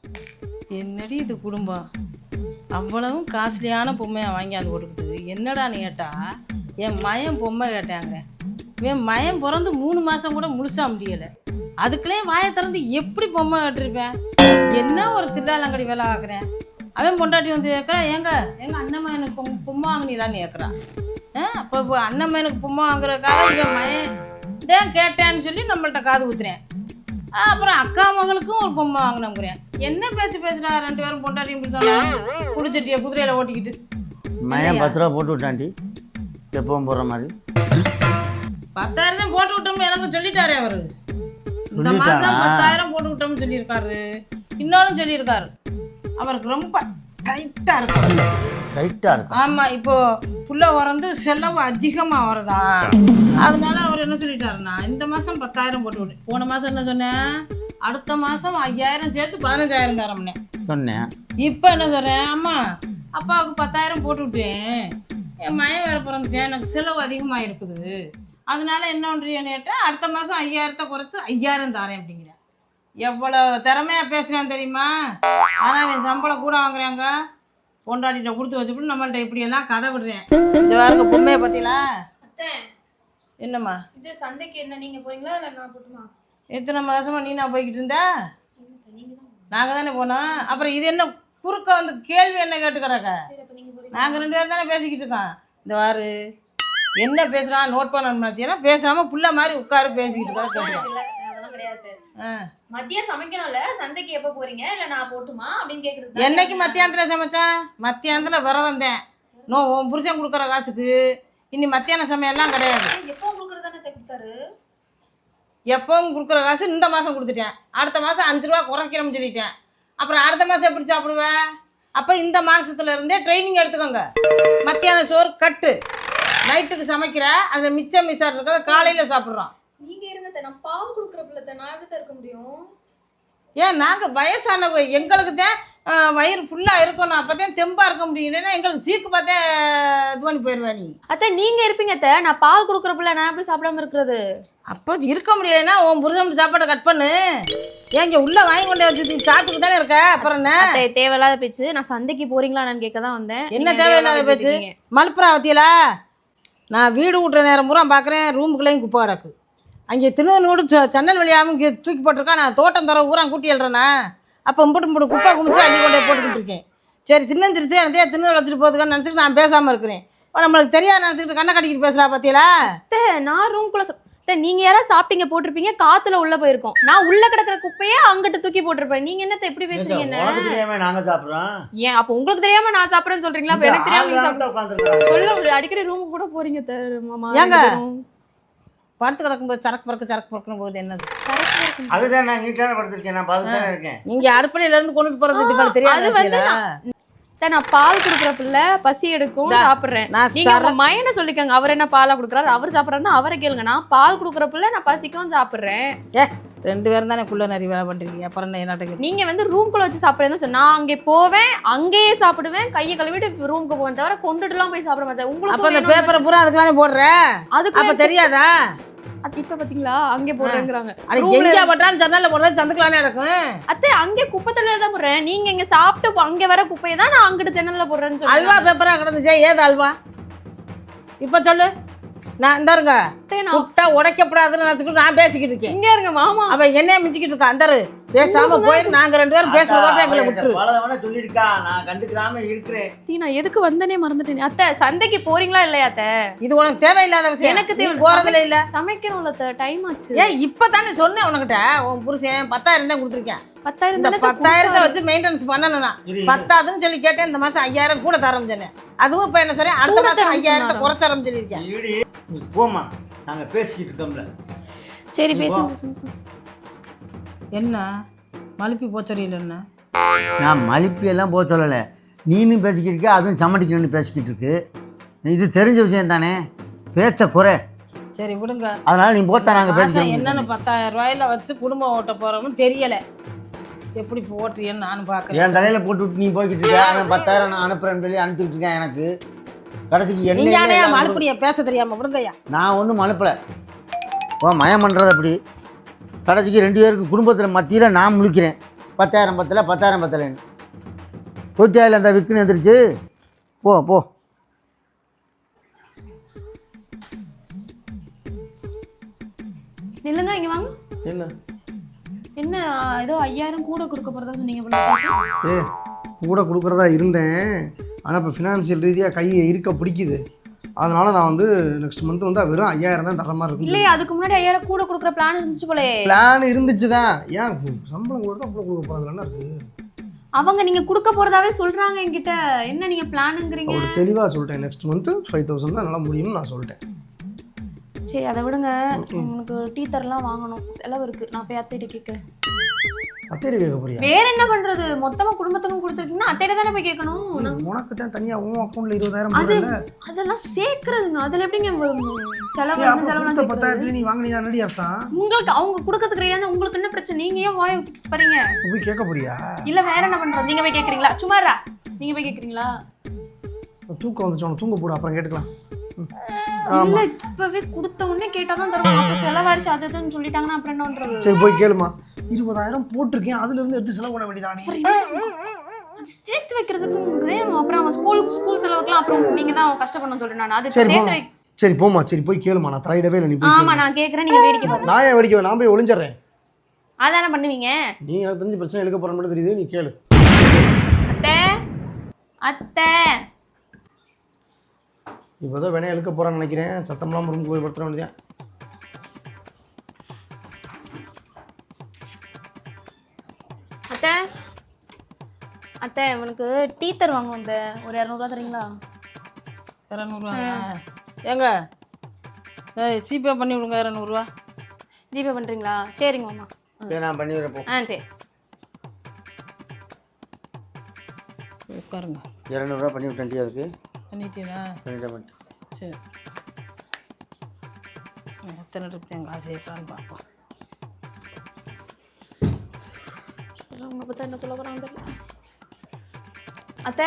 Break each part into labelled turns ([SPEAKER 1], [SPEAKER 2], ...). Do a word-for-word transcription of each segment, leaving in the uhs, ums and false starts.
[SPEAKER 1] என்னடி இது குடும்பம்? அவ்வளவும் காஸ்ட்லியான பொம்மையை வாங்கியாந்து போட்டுக்கிட்டு என்னடான்னு கேட்டா என் மயம் பொம்மை கேட்டாங்க. என் மயம் பிறந்து மூணு மாதம் கூட முழுசா முடியலை. அதுக்குள்ளே வாயை திறந்து எப்படி பொம்மை கட்டிருப்பேன்? என்ன ஒரு தில்லாலங்கடி வேலை ஆக்குறேன். அவன் பொண்டாட்டி வந்து கேட்குறான், ஏங்க எங்கள் அண்ணன் எனக்கு பொம் பொம்மை வாங்கினீங்களான்னு கேட்குறான். ஆ அப்போ இப்போ அண்ணன் எனக்கு பொம்மை வாங்குறதுக்காக இவன் மயன் தான் கேட்டேன்னு சொல்லி நம்மள்ட்ட காது ஊத்துறேன். அப்புறம் அக்கா மகளுக்கும் ஒரு பொம்மை வாங்கினோங்கிறேன். என்ன பேச்சு பேசுறா ரெண்டு பேரும் பொண்டாட்டியும் பிடிச்சாங்க குடிச்சட்டிய குதிரையில ஓட்டிக்கிட்டு.
[SPEAKER 2] மயம் பத்து ரூபா போட்டு விட்டாண்டி, எப்பவும் போடுற மாதிரி.
[SPEAKER 1] பத்தாயிரம் தான் போட்டு விட்டோம்னு எனக்கு சொல்லிட்டாரு அவரு. இந்த மாசம் பத்தாயிரம் போட்டு விட்டோம்னு சொல்லியிருக்காரு. இன்னொன்னு சொல்லியிருக்காரு, அவருக்கு ரொம்ப டைட்டா இருக்கும்.
[SPEAKER 2] டைட்டா இருக்கும்.
[SPEAKER 1] ஆமா, இப்போ புள்ள வரந்து செலவு அதிகமா வரதா, அதனால அவர் என்ன சொல்லிட்டாருன்னா இந்த மாசம் பத்தாயிரம் போட்டு விட்டு, போன மாசம் என்ன சொன்னேன், அடுத்த மாசம் ஐயாயிரம் சேர்த்து பதினஞ்சாயிரம் தரம்னே
[SPEAKER 2] சொன்னேன்.
[SPEAKER 1] இப்போ என்ன சொல்றேன், அம்மா அப்பாவுக்கு பத்தாயிரம் போட்டு விட்டேன், என் மயம் வேற பிறந்துட்டேன், எனக்கு செலவு அதிகமாக இருக்குது, அதனால என்ன பண்றீன்னு கேட்டால் அடுத்த மாதம் ஐயாயிரத்தை குறைச்சி ஐயாயிரம் தரேன் அப்படிங்கிறேன். எவ்வளோ திறமையா பேசுகிறேன் தெரியுமா? ஆனால் என் சம்பளம் கூட வாங்குறாங்க. பொண்டாட்டிகிட்ட கொடுத்து வச்சுட்டு நம்மள்ட்ட இப்படி எல்லாம் கதை விடுறேன். இந்த வாருங்க பொம்மையை பார்த்தீங்களா? என்னம்மா
[SPEAKER 3] இது சந்தைக்கு என்ன நீங்க போறீங்களா இல்லை நான் போட்டுமா?
[SPEAKER 1] எத்தனை மாதமா நீ நான் போய்கிட்டு இருந்தா? நாங்கள் தானே போனோம். அப்புறம் இது என்ன குறுக்க வந்து கேள்வி என்ன கேட்டு கிடக்க? நாங்கள் ரெண்டு பேரும் தானே பேசிக்கிட்டு இருக்கோம். இந்த வாரு என்ன பேசுகிறான் நோட் பண்ணணும்னாச்சுன்னா பேசாமல் புள்ள மாதிரி உட்காரு பேசிக்கிட்டு இருக்கா.
[SPEAKER 3] மதியம் சமைக்கணும்ல, சந்தைக்கு எப்போ போறீங்க இல்லை நான் போட்டுமா அப்படின்னு கேட்குறது.
[SPEAKER 1] என்னைக்கு மத்தியானத்தில் சமைச்சான்? மத்தியானத்தில் விரதம் தான். நோ உன் புருஷன் கொடுக்குற காசுக்கு இனி மத்தியான சமையல்லாம் கிடையாது.
[SPEAKER 3] எப்போ கொடுக்குறது தானே கொடுத்தாரு.
[SPEAKER 1] எப்பவும் கொடுக்குற காசு இந்த மாதம் கொடுத்துட்டேன், அடுத்த மாதம் அஞ்சு ரூபா குறைக்கிறோம்னு சொல்லிட்டேன். அப்புறம் அடுத்த மாதம் எப்படி சாப்பிடுவேன்? அப்போ இந்த மாதத்துல இருந்தே ட்ரைனிங் எடுத்துக்கோங்க. மத்தியான சோறு கட்டு, நைட்டுக்கு சமைக்கிற அந்த மிச்சம் மிச்சம் இருக்கிறத காலையில் சாப்பிட்றோம்.
[SPEAKER 3] நீங்க இருங்க, நான் பால் கொடுக்குறப்பில்ல, நான் எப்படி தான் இருக்க முடியும்?
[SPEAKER 1] ஏன் நாங்கள் வயசானவங்க, எங்களுக்கு தான் வயிறு ஃபுல்லாக இருக்கணும், அப்போ தான் தெம்பாக இருக்க முடியும். இல்லைன்னா எங்களுக்கு சீக்கு பார்த்தே இது பண்ணி போயிடுவேன். நீ
[SPEAKER 3] அத்தை நீங்க இருப்பீங்க அத்தை, நான் பால் கொடுக்குறப்பில்ல, நான் எப்படி சாப்பிடாம இருக்கிறது?
[SPEAKER 1] அப்போ இருக்க முடியலைன்னா உன் புருஷன் சாப்பாடை கட் பண்ணு. ஏன் இங்கே உள்ளே வாங்கி கொண்டே வச்சு சாப்பிட்டுக்கு தானே இருக்க. அப்புறம் என்ன
[SPEAKER 3] தேவையில்லாத பேச்சு? நான் சந்தைக்கு போறீங்களான்னு கேட்க தான் வந்தேன்.
[SPEAKER 1] என்ன தேவையில்லாத பேச்சு? மலுப்புறா வத்தியலா? நான் வீடு விட்டுற நேரம் பூரா பார்க்குறேன், ரூமுக்குள்ளேயும் குப்பை கிடக்கு. அங்கே திருநூறு சன்னல் வழியாகவும் இங்கே தூக்கி போட்டிருக்கா. நான் தோட்டம் தர ஊரா கூட்டி எழுறேண்ணா. அப்போ இம்புட்டு இம்புட்டு குப்பை குமிச்சு அள்ளி கொண்டே போட்டுக்கிட்டு இருக்கேன். சரி சின்னஞ்சிருச்சு எனதே திருநூறு வச்சுட்டு போகுதுக்கான்னு நினச்சிட்டு நான் பேசாமல் இருக்கிறேன். இப்போ நம்மளுக்கு தெரியாது நினச்சிக்கிட்டு கண்ணை கட்டிக்கிட்டு பேசுகிறா பார்த்தீங்களா?
[SPEAKER 3] நான் ரூம்குள்ளே நீங்க யாராவது சாப்பிட்டீங்க போட்டிருப்பீங்க, காத்துல உள்ள போயிருக்கோம். நான் உள்ள கிடக்குற குப்பையே அங்கிட்டு தூக்கி போட்டிருப்பேன். நீங்க என்னத்த எப்படி பேசுறீங்க? என்ன
[SPEAKER 2] நாங்க சாப்பிடுறோம்.
[SPEAKER 3] ஏன் அப்ப உங்களுக்கு தெரியாம நான் சாப்பிடுறேன்னு சொல்றீங்களா? அப்ப எனக்கு தெரியாம சொல்ல அடிக்கடி ரூமுக்கு கூட போறீங்க மாமா.
[SPEAKER 1] ஏங்க படுத்து கிடக்கும்போது சரக்கு பறக்கு சரக்கு பறக்கணும் போகுது என்னது?
[SPEAKER 2] அதுதான் நான் நீட்டான படுத்திருக்கேன், நான் பார்த்துட்டு தானே இருக்கேன்.
[SPEAKER 1] நீங்க அடுப்படையில இருந்து கொண்டுட்டு போறது இதுக்கு தெரியாது.
[SPEAKER 3] நான் பால் குடுக்குற பிள்ளை பசி எடுக்கும் சாப்பிடுறேன். நீங்க உங்க மயனை சொல்லிக்கங்க, அவர் என்ன பாலா குடுக்குறாரு, அவர் சாப்பிட்றாருன்னா அவரை கேளுங்க. நான் பால் குடுக்குற பிள்ளை, நான் பசிக்கவும் சாப்பிடுறேன்.
[SPEAKER 1] ஏ ரெண்டு பேரும் தானே குள்ள நிறைய வேலை பண்றீங்க. அப்புறம் என்ன
[SPEAKER 3] நீங்க வந்து ரூம்குள்ள வச்சு சாப்பிடுறேன்னு சொன்னா நான் அங்கே போவேன், அங்கேயே சாப்பிடுவேன், கையை கழுவிட்டு ரூமுக்கு போவேன், தவிர கொண்டுட்டு எல்லாம் போய் சாப்பிட மாட்டேன். உங்களுக்கு
[SPEAKER 1] அந்த பேப்பரை பூரா அதுக்குதானே போடுற, அதுக்கு அப்ப தெரியாதா?
[SPEAKER 3] இப்ப பாத்தீங்களா அங்கே போடுறேங்கிறாங்க.
[SPEAKER 1] எங்க பட்டான்னு ஜன்னல்ல போடுறது சந்துக்கலானே இருக்கும்.
[SPEAKER 3] அத்தை அங்கே குப்பை தொழில தான் போடுறேன். நீங்க இங்க சாப்பிட்டு அங்க வர குப்பையை தான் நான் அங்கிட்டு ஜன்னல்ல போடுறேன்னு சொல்லி.
[SPEAKER 1] அல்வா பேப்பரா கிடந்துச்சே, ஏது அல்வா? இப்ப சொல்லு. நான் இந்தாருங்க கூப்பிட்டா உடைக்கப்படாதுன்னு நினைச்சுக்கிட்டு நான் பேசிக்கிட்டு இருக்கேன்.
[SPEAKER 3] இங்க இருங்க மாமா.
[SPEAKER 1] அவ என்னைய மிஞ்சிக்கிட்டு இருக்கா. அந்தாரு பேசாம போயிரு, நாங்க ரெண்டு பேரும் பேசுறதோட எங்களை விட்டுரு.
[SPEAKER 2] பலதவன சொல்லிருக்கா, நான் கண்டுக்கிறாம இருக்கிறேன்.
[SPEAKER 3] தீ நான் எதுக்கு வந்தனே மறந்துட்டேன். அத்தை சந்தைக்கு போறீங்களா இல்லையா? அத்தை
[SPEAKER 1] இது உனக்கு தேவையில்லாத விஷயம்.
[SPEAKER 3] எனக்கு தேவை
[SPEAKER 1] போறதுல இல்ல,
[SPEAKER 3] சமைக்கணும்ல அத்தை, டைம் ஆச்சு.
[SPEAKER 1] ஏன் இப்பதானே சொன்னேன் உனக்கிட்ட, உன் புருஷன் பத்தாயிரம் தான் கொடுத்துருக்கேன்.
[SPEAKER 3] பத்தாயிரம்
[SPEAKER 1] இந்த பத்தாயிரத்தை வச்சு மெயின்டெனன்ஸ் பண்ணணும்னா பத்தாதுன்னு சொல்லி கேட்டேன். இந்த மாசம் ஐயாயிரம் கூட தரம் சொன்னேன். அதுவும் இப்ப என்ன சொல்றேன், அடுத்த மாசம் ஐயாயிரத்தை குறைத்தரம் சொல்லியிருக்கேன்.
[SPEAKER 2] போமா, நாங்க பேசிக்கிட்டு இருக்கோம்ல.
[SPEAKER 3] சரி பேசுங்க.
[SPEAKER 1] என்ன மலுப்பி போச்சரியில் என்ன?
[SPEAKER 2] நான் மலிப்பி எல்லாம் போக சொல்லலை, நீனும் பேசிக்கிட்டு இருக்க, அதுவும் சமட்டிக்கணும்னு பேசிக்கிட்டு இருக்கு. இது தெரிஞ்ச விஷயம் தானே, பேச்ச குறை.
[SPEAKER 1] சரி விடுங்க,
[SPEAKER 2] அதனால நீ போத்தா நாங்கள் பேசுகிறோம்.
[SPEAKER 1] என்னென்னு பத்தாயிரம் ரூபாயில வச்சு குடும்பம் ஓட்ட போகிறோம்னு தெரியலை. எப்படி போட்டுறியன்னு நானும் பார்க்குறேன்.
[SPEAKER 2] என் தலையில் போட்டு விட்டு நீ போய்கிட்டு இருக்க. அவன் பத்தாயிரம் நான் அனுப்புறேன்னு சொல்லி அனுப்பிட்டு இருக்கேன். எனக்கு கடைசிக்கு என்ன
[SPEAKER 1] மலுப்படியா பேச தெரியாமல் விடுங்கய்யா.
[SPEAKER 2] நான் ஒன்றும் மலுப்பலை. ஓ மயம் பண்ணுறது அப்படி. கடைசிக்கு ரெண்டு பேருக்கு குடும்பத்தில் மத்தியில் நான் முழிக்கிறேன். பத்தாயிரம் பத்தல பத்தாயிரம் பத்தலைன்னு தூத்தியாயில் அந்த விற்குன்னு எந்திரிச்சு போ போ.
[SPEAKER 3] நில்லுங்க இங்க வாங்க.
[SPEAKER 4] என்ன
[SPEAKER 3] என்ன ஏதோ ஐயாயிரம் கூட கொடுக்க போறதா சொன்னீங்க போல.
[SPEAKER 4] ஏ கூட கொடுக்குறதா இருந்தேன், ஆனால் இப்போ ஃபினான்ஷியல் ரீதியாக கையை இருக்க பிடிக்குது. அதனால நான் வந்து நெக்ஸ்ட் மந்த் வந்து வெறும் ஐயாயிரம் தான் தர மாதிரி இருக்கும்.
[SPEAKER 3] இல்லையே அதுக்கு முன்னாடி ஐயாயிரம் கூட கொடுக்குற பிளான் இருந்துச்சு போலே.
[SPEAKER 4] பிளான் இருந்துச்சு தான். ஏன் சம்பளம் கூட தான் கொடுக்க போகிறதுல என்ன இருக்கு?
[SPEAKER 3] அவங்க நீங்க கொடுக்க போறதாவே சொல்றாங்க என்கிட்ட. என்ன நீங்க பிளானுங்கிறீங்க?
[SPEAKER 4] ஒரு தெளிவாக சொல்லிட்டேன், நெக்ஸ்ட் மந்த் ஃபைவ் தௌசண்ட் தான் நல்லா முடியும்னு நான் சொல்லிட்டேன்.
[SPEAKER 3] சரி அதை விடுங்க. உங்களுக்கு டீ தரலாம் வாங்கணும், செலவு இருக்கு. நான் போய் அத்தைகிட்ட கேட்குறேன்.
[SPEAKER 4] அத்தையிட்ட கேட்க போறியா?
[SPEAKER 3] வேற என்ன பண்றது? மொத்தமா குடும்பத்துக்கும் கொடுத்துட்டீங்கன்னா அத்தையிட்ட தானே போய் கேட்கணும்.
[SPEAKER 4] உனக்கு தான் தனியாக உன் அக்கௌண்ட்ல இருபதாயிரம்
[SPEAKER 3] அது
[SPEAKER 4] போடல.
[SPEAKER 3] அதெல்லாம் சேர்க்கறதுங்க. அதுல எப்படிங்க செலவு
[SPEAKER 4] அப்போ
[SPEAKER 3] செலவுலாம்
[SPEAKER 4] கொடுத்த பத்தாயிரத்துல நீ வாங்கினீங்க நடி அர்த்தம்.
[SPEAKER 3] உங்களுக்கு அவங்க கொடுக்கறதுக்கு ரெடியா இருந்தா உங்களுக்கு என்ன பிரச்சனை? நீங்க ஏன் வாயை விட்டுட்டு போறீங்க?
[SPEAKER 4] போய் கேட்க போறியா?
[SPEAKER 3] இல்ல வேற என்ன பண்றது? நீங்க போய் கேக்குறீங்களா? சும்மாரா நீங்க போய் கேக்குறீங்களா?
[SPEAKER 4] தூக்கம் வந்துச்சு, உனக்கு தூங்க போடு, அப்புறம் கேட்டுக்கலாம்.
[SPEAKER 3] இல்ல இப்பவே கொடுத்த உடனே கேட்டாதான் தருவாங்க. அப்ப செலவாயிருச்சு அது இதுன்னு சொல்லிட்டாங்கன்னா அப்புறம் என்ன பண்றது?
[SPEAKER 4] சரி போய் கேளுமா. இருபதாயிரம் போட்டிருக்கேன், அதுல இருந்து எடுத்து செலவு பண்ண வேண்டியதானே.
[SPEAKER 3] அது சேர்த்து வைக்கிறதுக்கு அப்புறம் அவன் ஸ்கூல் ஸ்கூல் செலவுக்குலாம் அப்புறம் நீங்க தான் கஷ்டப்படணும்னு சொல்றேன். நான் அது
[SPEAKER 4] சரி
[SPEAKER 3] சேர்த்து
[SPEAKER 4] போமா.
[SPEAKER 3] வை.
[SPEAKER 4] சரி போமா, சரி போய் கேளுமா. நான் தலையிடவே இல்லை, நீ போய்
[SPEAKER 3] ஆமா
[SPEAKER 4] கேளு.
[SPEAKER 3] நான் கேக்குறேன், நீங்க வேடிக்கை பாருங்க.
[SPEAKER 4] நான் ஏன் வேடிக்கை? நான் போய் ஒளிஞ்சிடறேன்.
[SPEAKER 3] அதானே பண்ணுவீங்க.
[SPEAKER 4] நீ எனக்கு தெரிஞ்சு பிரச்சனை எடுக்க போற மட்டும் தெரியுது, நீ கேளு.
[SPEAKER 3] அத்தை அத்தை
[SPEAKER 4] இப்போதான் வேணா எழுக்க போறான்னு நினைக்கிறேன். சத்தம்லாம் ரூமுக்கு போய் படுத்துற வேண்டியதான்.
[SPEAKER 3] அத்தை அத்தை இவனுக்கு டீ தருவாங்க. வந்து ஒரு இரநூறுவா தரீங்களா?
[SPEAKER 1] இரநூறுவா ஏங்க ஜிபே பண்ணி விடுங்க இரநூறுவா.
[SPEAKER 3] ஜிபே பண்றீங்களா? சரிங்க மாமா.
[SPEAKER 2] நான் பண்ணி வரப்போ
[SPEAKER 3] ஆ சரி
[SPEAKER 1] உட்காருங்க.
[SPEAKER 2] இரநூறுவா பண்ணி விட்டேன். அதுக்கு
[SPEAKER 1] பண்ணிட்டீங்களா?
[SPEAKER 2] பண்ணிட்டேன் பண்ணிட்டேன்.
[SPEAKER 1] சரி எத்தனை ட்ரிப் எங்கள் காசு ஏற்றான்னு பார்ப்போம்.
[SPEAKER 3] அவங்க பார்த்தா என்ன சொல்ல போறாங்க தெரியல. அத்தை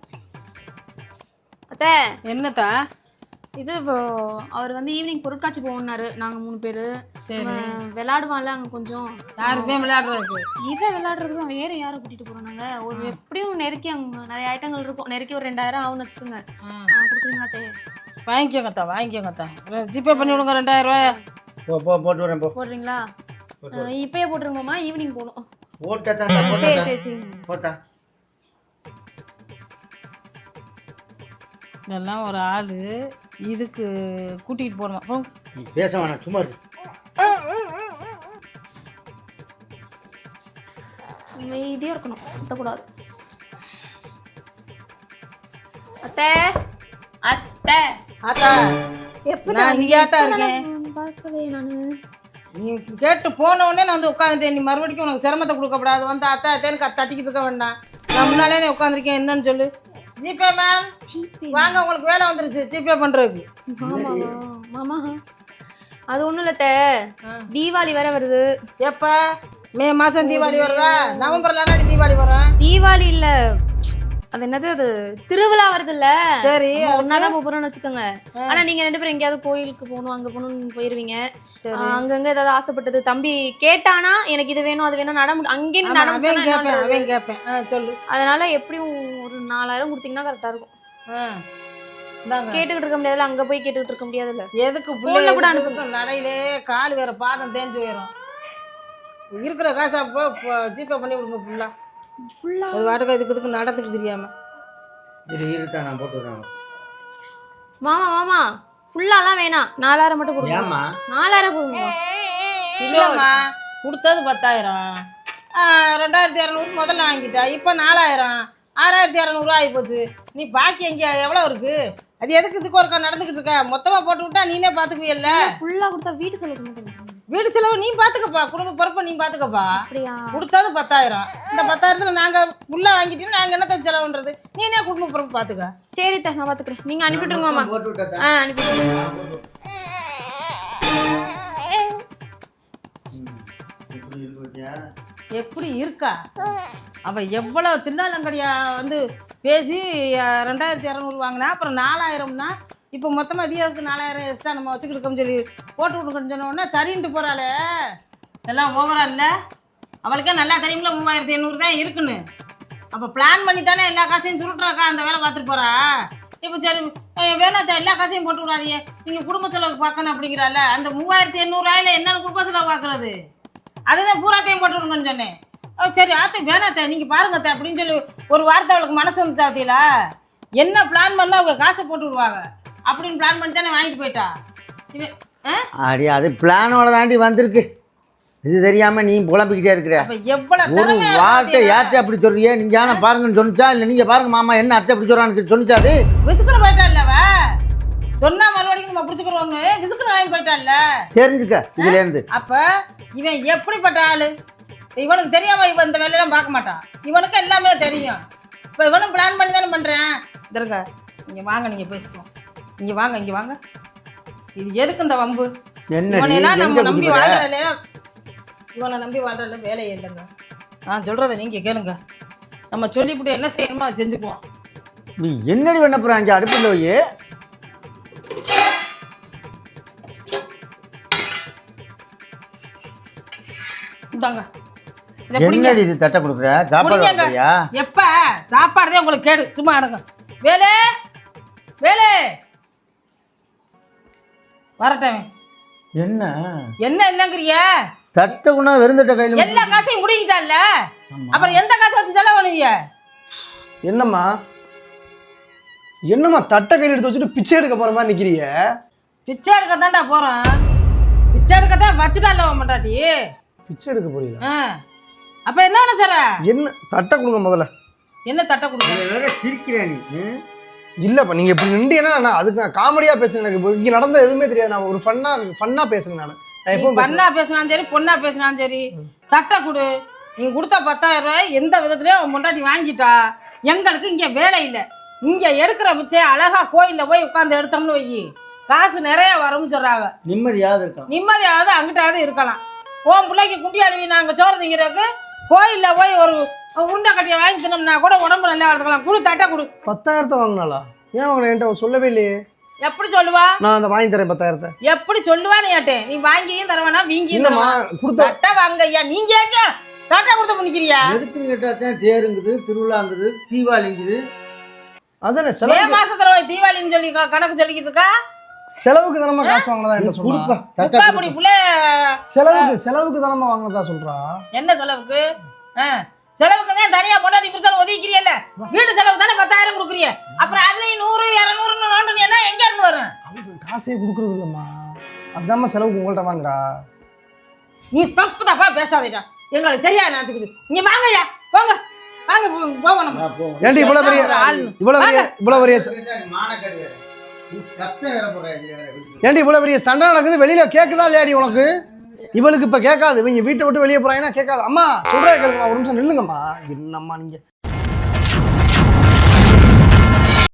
[SPEAKER 3] அத்தை
[SPEAKER 1] என்னத்தா?
[SPEAKER 3] இது அவர் வந்து ஈவினிங் பொருட்காட்சி போகணுன்னாரு. நாங்க மூணு பேரு.
[SPEAKER 1] சரி
[SPEAKER 3] விளையாடுவான்ல அங்க கொஞ்சம்.
[SPEAKER 1] யாருக்குமே விளையாடுறதுக்கு
[SPEAKER 3] இவன் விளையாடுறதுக்கு வேற யாரை கூட்டிட்டு போறாங்க? ஒரு எப்படியும் நெருக்கி அங்க நிறைய ஐட்டங்கள் இருக்கும். நெருக்கி ஒரு ரெண்டாயிரம் ஆகும்னு வச்சுக்கோங்க. கொடுக்குறீங்களா தே?
[SPEAKER 1] வாங்கிக்கோங்கத்தா வாங்கிக்கோங்கத்தா. ஜிபே பண்ணி விடுங்க ரெண்டாயிரம் ரூபாய்.
[SPEAKER 2] போ போ போட்டு வரேன் போ.
[SPEAKER 3] போடுறீங்களா? இப்பயே போட்டுருங்கம்மா, ஈவினிங் போகணும்.
[SPEAKER 2] போட்டா
[SPEAKER 3] சரி சரி சரி
[SPEAKER 2] போட்டா.
[SPEAKER 1] இதெல்லாம் ஒரு ஆள் இதுக்கு கூட்டிகிட்டு போகணுமா? போ
[SPEAKER 2] பேச வேணாம், சும்மா இருக்கு.
[SPEAKER 3] அமைதியா இருக்கணும், கத்தக்கூடாது. அத்தை அத்தை
[SPEAKER 1] ஆத்தா
[SPEAKER 3] எப்ப
[SPEAKER 1] நான் இங்கேயாத்தான் இருக்கேன்.
[SPEAKER 3] பார்க்கவே நானு.
[SPEAKER 1] நீ கேட்டு போன உடனே நான் வந்து உட்காந்துட்டேன். நீ மறுபடியும் உனக்கு சிரமத்தை கொடுக்கப்படாது. வந்து அத்தா அத்தேன்னு தட்டிக்கிட்டு இருக்க வேண்டாம். நான் முன்னாலே உட்காந்துருக்கேன். என்னன்னு சொல்லு. ஜிபே மேம் வாங்க, உங்களுக்கு வேலை வந்துருச்சு ஜிபே பண்றதுக்கு.
[SPEAKER 3] மாமா மாமா அது ஒண்ணும் இல்ல அத்தை, தீபாவளி வேற வருது.
[SPEAKER 1] எப்ப? மே மாசம் தீபாவளி வருதா? நவம்பர்ல தீபாவளி வரும்.
[SPEAKER 3] தீபாவளி இல்ல, அது என்னது, அது திருவிழா வருது இல்ல.
[SPEAKER 1] சரி
[SPEAKER 3] ஒன்னாதான் போறோம்னு வச்சுக்கோங்க. ஆனா நீங்க ரெண்டு பேரும் எங்கேயாவது கோயிலுக்கு போகணும் அங்க போகணும்னு போயிருவீங்க. அங்கங்க ஏதாவது ஆசைப்பட்டது தம்பி கேட்டானா எனக்கு இது வேணும் அது வேணும் நட அங்கே
[SPEAKER 1] கேட்பேன் சொல்லு.
[SPEAKER 3] அதனால எப்படியும் ஒரு நாலாயிரம் கொடுத்தீங்கன்னா கரெக்டா இருக்கும். கேட்டுக்கிட்டு இருக்க முடியாதுல்ல, அங்க போய் கேட்டுக்கிட்டு இருக்க முடியாதுல்ல.
[SPEAKER 1] எதுக்கு புள்ள கூட அனுப்புங்க. நடையிலே கால் வேற பாதம் தேஞ்சு போயிடும். இருக்கிற காசா ஜிபே பண்ணி விடுங்க ஃபுல்லா ஃபுல்லா. அது வாட்டுக்கு இதுக்கு இதுக்கு நடந்துட்டு தெரியாம
[SPEAKER 2] இரு இருத்தா நான் போட்டு விடுறேன்.
[SPEAKER 3] மாமா மாமா ஃபுல்லாலாம் வேணாம், நாலாயிரம் மட்டும் கொடுங்க.
[SPEAKER 2] ஏமா
[SPEAKER 3] நாலாயிரம் போதுமா?
[SPEAKER 1] இல்லம்மா கொடுத்தது பத்தாயிரம், ரெண்டாயிரத்தி இரநூறு முதல்ல வாங்கிட்டா. இப்போ நாலாயிரம், ஆறாயிரத்தி இரநூறுவா ஆகி போச்சு. நீ பாக்கி எங்க எவ்வளோ இருக்கு? அது எதுக்கு இதுக்கு ஒருக்கா நடந்துக்கிட்டு இருக்க? மொத்தமாக போட்டு விட்டா நீனே பார்த்துக்குவியல்ல.
[SPEAKER 3] ஃபுல்லாக கொடுத்தா வீட்டு செலவு மட்டும்.
[SPEAKER 1] வீடு செலவு நீ பாத்துக்கப்பா, குடும்ப பொறுப்பை நீ பாத்துக்கப்பா. கொடுத்தது பத்தாயிரம், இந்த பத்தாயிரத்துல நாங்க உள்ள வாங்கிட்டு நாங்க என்னத்த செலவுன்றது? நீ என்ன குடும்ப பொறுப்பு பாத்துக்க.
[SPEAKER 3] சரி தா, நான் பாத்துக்கிறேன். நீங்க அனுப்பிட்டுருங்க மாமா. ஆ அனுப்பிட்டுருங்க.
[SPEAKER 1] எப்படி இருக்கா அவ? எவ்வளவு தில்லாலங்கடியா வந்து பேசி ரெண்டாயிரத்தி இரநூறு வாங்கினா, அப்புறம் நாலாயிரம்னா இப்போ மொத்தமாக அதிகாரத்துக்கு நாலாயிரம் எக்ஸ்ட்ரா நம்ம வச்சுக்கிட்டு இருக்கோம்னு சொல்லி போட்டு விட்டுக்கணும்னு சொன்ன உடனே சரின்ட்டு போகிறாளே. எல்லாம் ஓவரா இல்லை? அவளுக்கே நல்லா தெரியுமில்ல மூவாயிரத்தி எண்ணூறு தான் இருக்குன்னு. அப்போ பிளான் பண்ணி தானே எல்லா காசையும் சுருட்டுறாக்கா அந்த வேலை பார்த்துட்டு போறா. இப்போ சரி வேணாத்த எல்லா காசையும் போட்டு விடாதீங்க, நீங்கள் குடும்ப செலவு பார்க்கணும் அப்படிங்கிறால, அந்த மூவாயிரத்தி எண்ணூறுவாயில் என்னென்ன குடும்ப செலவு பார்க்குறது, அதுதான் பூராத்தையும் போட்டு விடுங்கன்னு சொன்னேன். சரி ஆத்த வேணாத்த நீங்கள் பாருங்கத்த அப்படின்னு சொல்லி ஒரு வார்த்தை அவளுக்கு மனசு வந்து சாத்தியலா. என்ன பிளான் பண்ணால் அவங்க காசை போட்டு விடுவாங்க அப்படின்னு பிளான் பண்ணி தானே வாங்கிட்டு போயிட்டா. இவன்
[SPEAKER 2] அடி அது பிளானோட தாண்டி வந்திருக்கு. இது தெரியாம நீ புலம்பிக்கிட்டே இருக்கிற. ஒரு வார்த்தை யார்த்தை அப்படி சொல்றியே, நீங்க யானை பாருங்கன்னு சொன்னிச்சா இல்லை நீங்க பாருங்க மாமா என்ன அத்தை அப்படி சொல்றான்னு சொன்னிச்சா? அது
[SPEAKER 1] விசுக்குன்னு போயிட்டான்லவ சொன்னா மறுபடியும் நம்ம பிடிச்சிக்கிறோம்னு விசுக்குன்னு வாங்கி போயிட்டான்ல, தெரிஞ்சுக்க
[SPEAKER 2] இதுல இருந்து.
[SPEAKER 1] அப்ப இவன் எப்படிப்பட்ட ஆளு இவனுக்கு தெரியாம இவன் இந்த வேலையெல்லாம் பார்க்க மாட்டான். இவனுக்கு எல்லாமே தெரியும். இப்போ இவனும் பிளான் பண்ணி தானே பண்றேன். இதற்க இங்க வாங்க, நீங்க பேசிக்கோ, இங்க வாங்க இங்க வாங்க. இது எதுக்கு இந்த வம்பு? இவனையெல்லாம் நம்ம நம்பி வாழ்றதுல இவனை நம்பி வாழ்றதுல வேலையே இல்லைங்க. நான் சொல்றதை நீங்க கேளுங்க. நம்ம சொல்லிவிட்டு என்ன செய்யணுமோ அதை செஞ்சுக்குவோம்.
[SPEAKER 2] நீ என்னடி பண்ண போற? அஞ்சு அடுப்பில் போய்
[SPEAKER 1] இந்தாங்க.
[SPEAKER 2] என்னடி இது தட்டை கொடுக்குற? சாப்பாடு
[SPEAKER 1] எப்ப சாப்பாடுதே உங்களுக்கு கேடு. சும்மா அடங்க. வேலே வேலே வரட்டேன்.
[SPEAKER 2] என்ன
[SPEAKER 1] என்ன என்னங்கிறிய?
[SPEAKER 2] தட்டை குணா வெறுந்தட்ட கையில்
[SPEAKER 1] எல்லா காசையும் முடிக்கிட்டால, அப்புறம் எந்த காசை வச்சு செலவு பண்ணுவீங்க?
[SPEAKER 4] என்னம்மா என்னம்மா தட்டை கையில் எடுத்து வச்சுட்டு பிச்சை எடுக்க போற மாதிரி நிக்கிறீங்க?
[SPEAKER 1] பிச்சை எடுக்க தான்டா போறேன். பிச்சை எடுக்க தான் வச்சுட்டால மாட்டாட்டி.
[SPEAKER 4] பிச்சை எடுக்க போறீங்களா?
[SPEAKER 1] அப்ப என்ன பண்ண சார்?
[SPEAKER 4] என்ன தட்டை கொடுங்க முதல்ல.
[SPEAKER 1] என்ன தட்டை கொடுங்க?
[SPEAKER 2] வேற சிரிக்கிற நீ.
[SPEAKER 4] இல்லப்பா நீங்க இப்படி நின்றீங்கன்னா நான் அதுக்கு நான் காமெடியா பேசுறேன். எனக்கு இங்க நடந்த எதுவுமே தெரியாது. நான் ஒரு ஃபன்னா ஃபன்னா பேசுறேன். நான் நான் எப்பவும்
[SPEAKER 1] பண்ணா பேசினாலும் சரி பொண்ணா பேசினாலும் சரி தட்டை கொடு. நீங்க கொடுத்தா பத்தாயிரம் ரூபாய் எந்த விதத்துலயும் அவன் முன்னாடி வாங்கிட்டா எங்களுக்கு இங்க வேலை இல்லை. இங்க எடுக்கிற பிச்சை அழகா கோயில்ல போய் உட்காந்து எடுத்தோம்னு வை காசு நிறைய வரும்னு சொல்றாங்க.
[SPEAKER 2] நிம்மதியாவது இருக்கலாம்.
[SPEAKER 1] நிம்மதியாவது அங்கிட்டாவது இருக்கலாம். உன் பிள்ளைக்கு குண்டி அழுவி நாங்க சோறு திங்கிறதுக்கு கோயில்ல போய் ஒரு உருண்டை கட்டியை வாங்கி தினோம்னா கூட உடம்பு நல்லா வளர்த்துக்கலாம். குடு தட்டை கொடு.
[SPEAKER 4] பத்தாயிரத்தை வாங்கினாளா? ஏன் அவங்க என்கிட்ட சொல்லவே இல்லையே.
[SPEAKER 1] எப்படி சொல்லுவா?
[SPEAKER 4] நான் அந்த வாங்கி தரேன் பத்தாயிரத்தை.
[SPEAKER 1] எப்படி சொல்லுவான்னு கேட்டேன். நீ வாங்கியும் தரவேனா வீங்கியும்
[SPEAKER 4] கொடுத்த
[SPEAKER 1] தட்டை வாங்க ஐயா. நீங்க ஏங்க தட்டை கொடுத்து பண்ணிக்கிறியா?
[SPEAKER 2] எதுக்குன்னு கேட்டாத்தான் தேருங்குது, திருவிழாங்குது, தீபாவளிங்குது.
[SPEAKER 4] அதானே
[SPEAKER 1] மே மாசத்துல போய் தீபாவளின்னு சொல்லி கணக்கு சொல்லிக்கிட்டு இருக்கா.
[SPEAKER 4] செலவுக்கு தானமா காசு வாங்கினதா என்ன சொல்றா?
[SPEAKER 1] அப்படி புள்ள
[SPEAKER 4] செலவுக்கு செலவுக்கு தானமா வாங்கினதா சொல்றா?
[SPEAKER 1] என்ன செலவுக்கு? செலவுக்கு தனியா போட்டா நீ கொடுத்தாலும் ஒதுக்கிறியல்ல. வீட்டு செலவுக்கு தானே பத்தாயிரம் கொடுக்குறிய. அப்புறம் அதுலயும் நூறு இருநூறுன்னு நோண்டு என்ன எங்க இருந்து வரும்?
[SPEAKER 4] காசே கொடுக்கறது இல்லம்மா. அதாம்மா செலவுக்கு உங்கள்கிட்ட வாங்குறா.
[SPEAKER 1] நீ தப்பு தப்பா பேசாதீடா. எங்களுக்கு தெரியாது நினைச்சுக்கிட்டு. இங்க வாங்கய்யா போங்க வாங்க போவோம் நம்ம.
[SPEAKER 4] ஏன்டி இவ்வளவு பெரிய இவ்வளவு பெரிய இவ்வளவு பெரிய ஏன்டி இவ்வளவு பெரிய சண்டை நடக்குது வெளியில கேக்குதா இல்லையாடி உனக்கு? இவளுக்கு இப்ப கேட்காது. இவங்க வீட்டை விட்டு வெளியே போறாங்கன்னா கேட்காது. அம்மா சொல்றேன் கேளுங்கம்மா, ஒரு நிமிஷம் நில்லுங்கம்மா. என்னம்மா நீங்க